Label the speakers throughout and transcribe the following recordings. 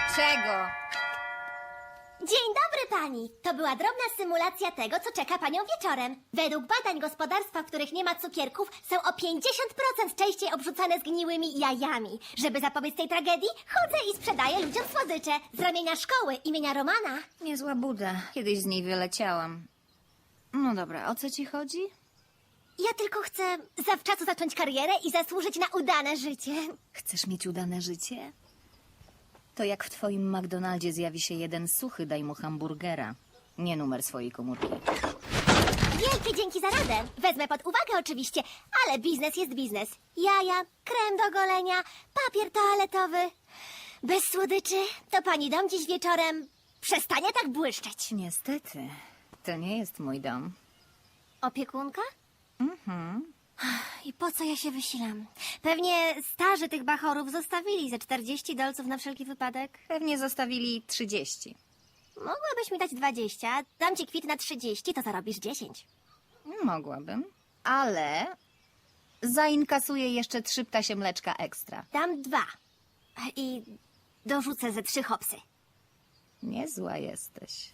Speaker 1: Czego?
Speaker 2: Dzień dobry pani! To była drobna symulacja tego, co czeka panią wieczorem. Według badań gospodarstwa, w których nie ma cukierków, są o 50% częściej obrzucane zgniłymi jajami. Żeby zapobiec tej tragedii, chodzę i sprzedaję ludziom słodycze z ramienia szkoły imienia Romana.
Speaker 1: Niezła buda. Kiedyś z niej wyleciałam. No dobra, o co ci chodzi?
Speaker 2: Ja tylko chcę zawczasu zacząć karierę i zasłużyć na udane życie.
Speaker 1: Chcesz mieć udane życie? To jak w twoim McDonaldzie zjawi się jeden suchy, daj mu hamburgera. Nie numer swojej komórki.
Speaker 2: Wielkie dzięki za radę. Wezmę pod uwagę oczywiście, ale biznes jest biznes. Jaja, krem do golenia, papier toaletowy. Bez słodyczy to pani dom dziś wieczorem przestanie tak błyszczeć.
Speaker 1: Niestety, to nie jest mój dom.
Speaker 2: Opiekunka? I po co ja się wysilam? Pewnie starzy tych bachorów zostawili ze 40 dolców na wszelki wypadek.
Speaker 1: Pewnie zostawili 30.
Speaker 2: Mogłabyś mi dać 20, dam ci kwit na 30, to zarobisz 10.
Speaker 1: Mogłabym, ale zainkasuję jeszcze 3 ptasie mleczka ekstra.
Speaker 2: Dam 2 i dorzucę ze 3 hopsy.
Speaker 1: Niezła jesteś.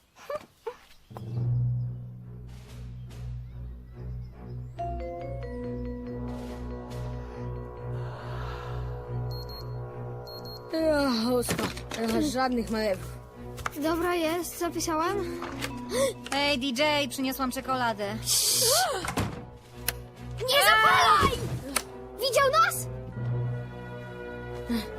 Speaker 3: Ósma. Żadnych manewrów.
Speaker 4: Dobra jest, zapisałem.
Speaker 1: Hej, DJ, przyniosłam czekoladę.
Speaker 4: Nie zapalaj! Widział nas?